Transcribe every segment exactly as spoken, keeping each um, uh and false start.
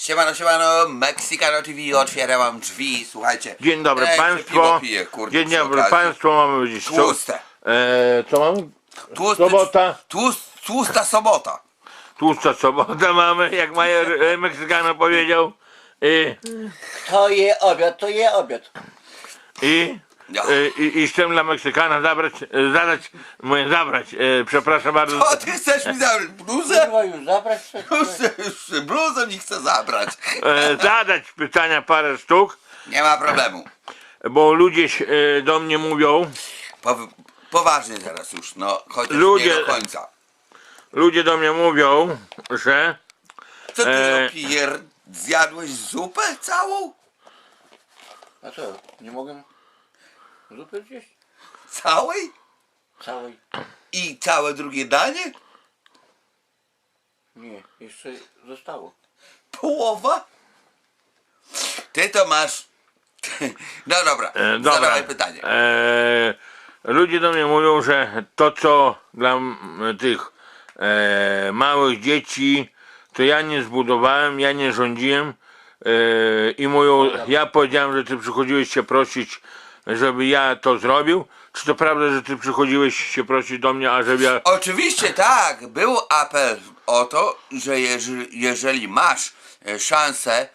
Siemano, siemano, Mexicano T V, otwiera wam drzwi, słuchajcie. Dzień dobry Ej, Państwo. piwo piję, kurde, Dzień przy dobry okazji. Państwu, mamy dziś Tłuste. E, co mamy? Tłusty, Sobota. Tłust, tłusta sobota. Tłusta sobota mamy, jak major e, Meksykano powiedział. I, To je obiad, to je obiad. i, Ja. e, i, i chcę dla Meksykana zabrać, e, zadać, mówię zabrać, e, przepraszam bardzo. O, ty chcesz mi zabrać bluzę? Chyba już zabrać coś. Już, już bluzę mi chce zabrać. E, zadać pytania parę sztuk, Nie ma problemu. bo ludzie e, do mnie mówią, Po, poważnie teraz już, no, chociaż Ludzie- nie do końca. ludzie do mnie mówią, że Co ty E. e... pier... Zjadłeś zupę całą? A co, nie mogę zupy zjeść? Całej? Całej? I całe drugie danie? Nie, jeszcze zostało. Połowa? Ty to masz... No dobra, E, dobra. zadawaj pytanie. E, ludzie do mnie mówią, że to co dla m, tych e, małych dzieci, to ja nie zbudowałem, ja nie rządziłem e, i mówią, ja powiedziałem, że ty przychodziłeś się prosić, żeby ja to zrobił. Czy to prawda, że ty przychodziłeś się prosić do mnie, a żeby ja... Oczywiście tak, był apel o to, że jeżeli, jeżeli masz e, szansę, e,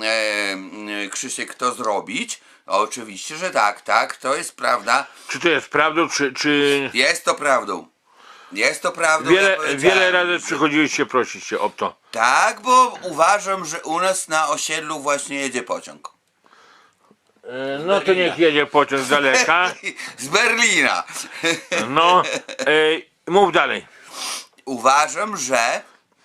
e, Krzysiek, to zrobić, oczywiście, że tak, tak, to jest prawda, Czy to jest prawdą, czy... czy... jest to prawdą. Jest to prawdą. Wiele, ja powiedziałem, wiele razy że- przychodziłeś się prosić się o to. Tak, bo uważam, że u nas na osiedlu właśnie jedzie pociąg. E, no to niech jedzie pociąg z daleka. Z Berlina. No, e, mów dalej. Uważam, że e,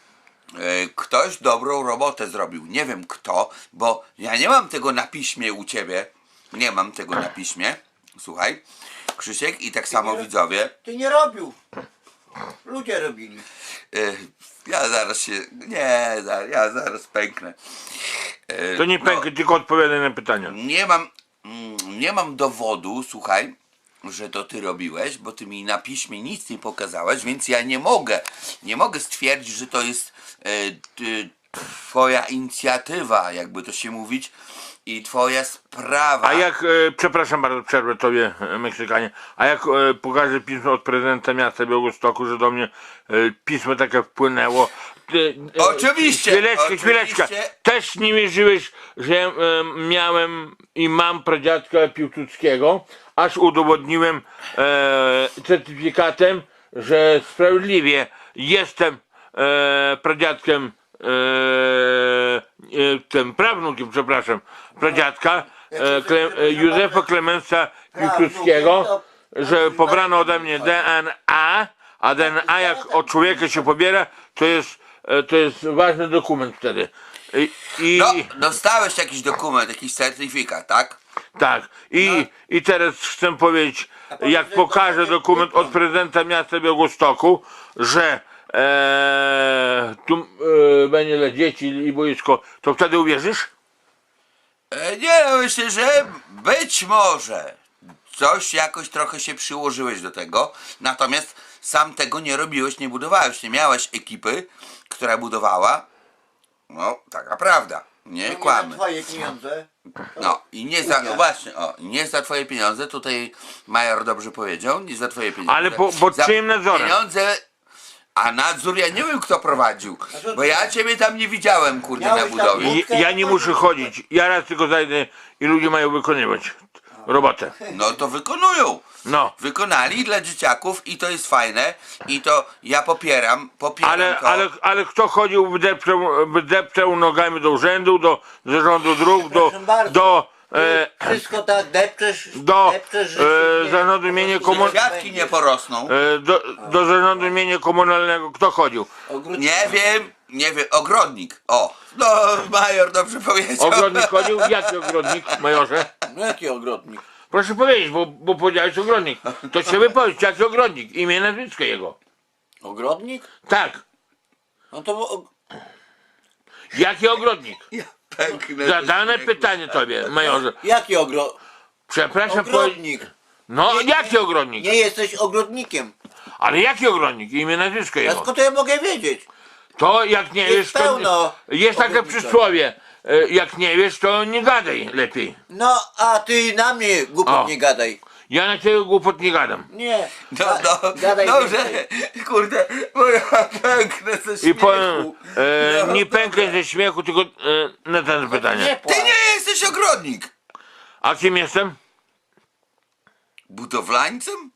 ktoś dobrą robotę zrobił. Nie wiem kto, bo ja nie mam tego na piśmie u ciebie. Nie mam tego na piśmie. Słuchaj, Krzysiek, i tak samo widzowie. Ty nie robił. Ludzie robili. E, ja zaraz się. Nie, za- ja zaraz pęknę. E, To nie no, pękaj, tylko odpowiadaj na pytania. Nie mam, mm, nie mam dowodu, słuchaj, że to ty robiłeś, bo ty mi na piśmie nic nie pokazałeś, więc ja nie mogę, nie mogę stwierdzić, że to jest e, ty, twoja inicjatywa, jakby to się mówić, i twoja sprawa. A jak, e, przepraszam bardzo, przerwę tobie, e, Meksykanie, a jak e, pokażę pismo od prezydenta miasta Białegostoku, że do mnie e, pismo takie wpłynęło. Ty, e, Oczywiście, Chwileczkę, oczywiście. chwileczkę. Też nie wierzyłeś, że e, miałem i mam pradziadka Piłsudskiego, aż udowodniłem e, certyfikatem, że sprawiedliwie jestem e, pradziadkiem, e, e, tym prawnukiem, przepraszam, pradziadka e, Kle, e, Józefa Klemensa Piłsudskiego, że pobrano ode mnie D N A, a D N A jak od człowieka się pobiera, to jest, e, to jest ważny dokument wtedy. I, i No, dostałeś jakiś dokument, jakiś certyfikat, tak? tak, i, i teraz chcę powiedzieć, jak pokażę dokument od prezydenta miasta Białegostoku, że e, tu e, będzie dla dzieci i boisko, to wtedy uwierzysz? E, nie, no myślę, że być może coś jakoś trochę się przyłożyłeś do tego, natomiast sam tego nie robiłeś, nie budowałeś, nie miałeś ekipy, która budowała. No, taka prawda, nie Nie kłamy. za twoje pieniądze. No i nie za, Unia. właśnie, o, nie za twoje pieniądze, tutaj major dobrze powiedział, nie za twoje pieniądze. Ale po- pod Za czyim nadzorem? Pieniądze, a nadzór ja nie wiem kto prowadził, bo ja ciebie tam nie widziałem, kurde, na Miałeś tam budowie. I, ja nie muszę chodzić, ja raz tylko zajdę i ludzie mają wykonywać robotę. No to wykonują. No, Wykonali dla dzieciaków i to jest fajne i to ja popieram, popieram ale, to. ale, ale kto chodził, wydepczał, wydepczał nogami do urzędu, do zarządu dróg, do, Proszę bardzo. do, e, Wszystko tak depczesz, do depczesz, że e, się nie- zarządu mienia po prostu komun- Kwiatki nie porosną. e, do, do zarządu mienia komunalnego, kto chodził? Ogródki- Nie wiem, nie wiem, ogrodnik. O, no major dobrze powiedział. Ogrodnik chodził? Jaki ogrodnik, majorze? No jaki ogrodnik? Proszę powiedzieć, bo, bo powiedziałeś ogrodnik. To się wypowiedź, jaki ogrodnik? Imię i nazwisko jego. Ogrodnik? Tak, No to og... jaki ogrodnik? Ja pęknę. Zadane pytanie tobie, majorze. Jaki ogro... Przepraszam, powiedz. ogrodnik? No, Nie- jaki ogrodnik? Nie jesteś ogrodnikiem. Ale jaki ogrodnik? Imię, nazwisko A jego. skąd ja mogę wiedzieć? To jak nie Jest wiesz, to pełno jest takie ogrodnicza. przysłowie. e, Jak nie wiesz, to nie gadaj lepiej. No, a ty na mnie głupot O. nie gadaj. Ja na ciebie głupot nie gadam. Nie. No, ga- no, gadaj dobrze, więcej. kurde, bo ja pęknę ze śmiechu. I powiem, e, No, nie dobra. pękaj ze śmiechu, tylko e, na ten Nie pytanie. płacz. Ty nie jesteś ogrodnik. A kim jestem? Budowlańcem?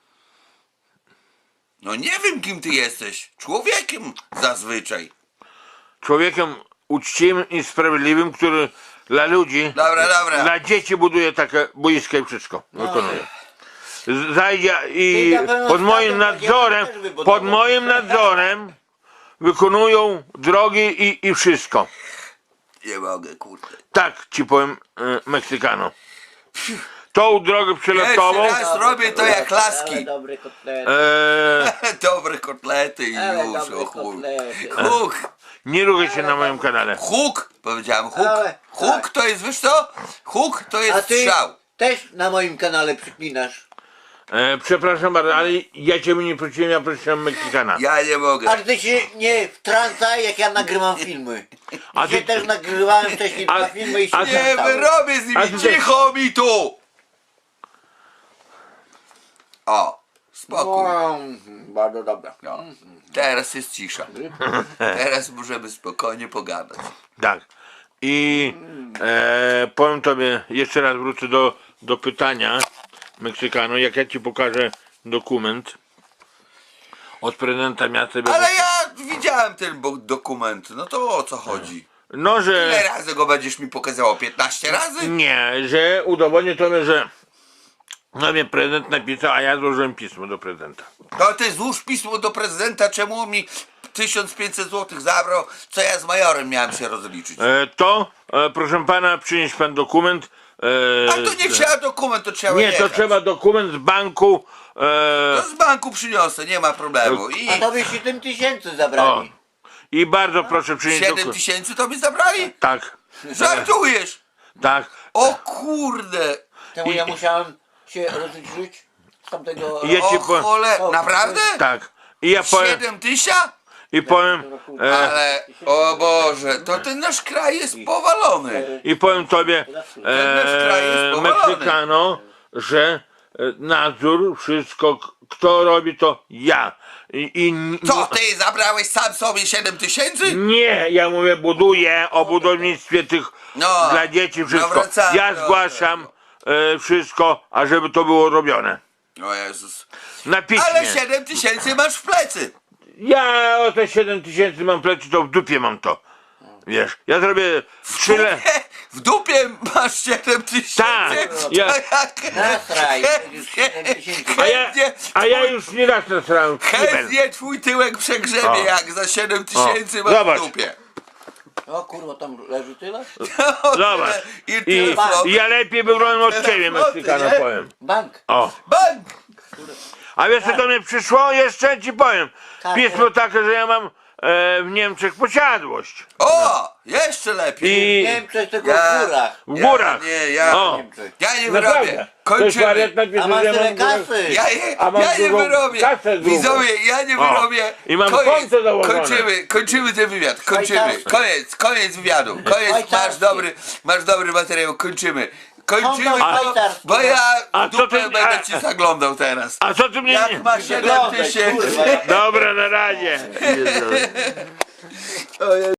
No nie wiem, kim ty jesteś. Człowiekiem zazwyczaj. Człowiekiem uczciwym i sprawiedliwym, który dla ludzi, Dobra, dobra. dla dzieci buduje takie boiska i wszystko wykonuje. Z- Zajdzie i Ty na pewno pod moim statek nadzorem, też wybudował. pod moim nadzorem wykonują drogi i, i wszystko. Nie mogę, kurde. Tak ci powiem, e, Meksykano. Tą drogę przelotową, Jeszcze raz robię to jak Ale laski. dobre kotlety. e, Dobre kotlety i Ale już, dobre o chuj. kotlety. Huk, nie ruchaj się na moim kanale. huk, powiedziałem huk. Ale- Huk tak. to jest, wiesz co? Huk to A jest ty strzał. też na moim kanale przyklinasz. E, przepraszam bardzo, ale ja ciebie nie prosiłem, ja prosiłem Meksykana. Ja nie mogę. Ale ty się nie wtrącaj, jak ja nagrywam filmy. A A ty- ty też nagrywałem wcześniej A- dwa filmy i się a ty- Nie wtrącałem. wyrobię z A nimi, ty- cicho mi tu! O, spokój. No, mhm, bardzo dobra. No. Teraz jest cisza. Teraz możemy spokojnie pogadać. Tak. I e, powiem tobie, jeszcze raz wrócę do, do pytania Meksykano, jak ja ci pokażę dokument od prezydenta miasta Białego- Ale ja widziałem ten bo- dokument, no to o co chodzi? No, Ile że razy go będziesz mi pokazało? piętnaście razy? nie, że udowodnię tobie, że no mnie prezydent napisał, a ja złożyłem pismo do prezydenta. To ty złóż pismo do prezydenta, czemu on mi tysiąc pięćset złotych zabrał, co ja z majorem miałem się rozliczyć. E, to, e, proszę pana, przynieść pan dokument. E, A to nie trzeba dokument, to trzeba Nie, jechać. to trzeba dokument z banku. E, To z banku przyniosę, nie ma problemu. I A tobie siedem tysięcy o, zabrali. I bardzo proszę przynieść siedem dokument. tysięcy to mi zabrali? Tak, Żartujesz? tak. O kurde! Temu I- ja musiałem się rozliczyć z tamtego... Ja ci O powiem- chole, O, naprawdę? Tak. I ja powiem, siedem tysięcy? i powiem, e, Ale, o Boże, to ten nasz kraj jest powalony. i powiem tobie, nasz kraj jest e, powalony. Meksykano, że e, nadzór, wszystko, k- kto robi, to ja. I, i Co, ty zabrałeś sam sobie siedem tysięcy? Nie, ja mówię, buduję o budownictwie tych No, dla dzieci no wszystko. wracamy Ja do- zgłaszam e, wszystko, ażeby to było robione. O Jezus. Na piśmie. Ale siedem tysięcy masz w plecy. Ja o te siedem tysięcy mam plecy, to w dupie mam to. Wiesz, ja zrobię tyle. W dupie masz siedem tysięcy? Tak, ja- To jak... Nasraj, chętnie- siedem tysięcy. A ja, chętnie a ja twój- już nie raz nasrałem w kibel. Chętnie twój tyłek przegrzebie, O. jak za siedem tysięcy O, masz zobacz. w dupie. O kurwa, tam leży tyle? O, Zobacz. tyle. I I, tyle floty. I ja lepiej wybrałem od Tyle ciebie, floty, Meksykano, nie? powiem. Bank. O. Bank! A wiesz co do mnie przyszło? Jeszcze ci powiem. Tak, Pismo takie, że ja mam e, w Niemczech posiadłość. O! Jeszcze lepiej. I Nie wiem, coś tylko Ja- w górach. w górach. Ja, nie, ja, O. ja nie Naprawdę. wyrobię. To jest wariat Kończymy. napisał, A masz że ja tyle mam w górach- kasy. Ja, nie, A mam ja nie drugą wyrobię. kasę drugą. Widzowie, ja nie O. wyrobię. I mam Koniec. konto założone. Kończymy, kończymy ten wywiad. Kończymy. Szwajcarskie. Koniec, koniec wywiadu. Koniec, masz Szwajcarskie. dobry, masz dobry materiał. Kończymy. Kończymy, Konto bo, szwajcarskie. bo ja A w co dupę ty- będę a- ci zaglądał teraz. A co ty mnie... Jak masz siedem Zaglądaj, tysięcy? kurwa. Dobra, na razie. O Jezu.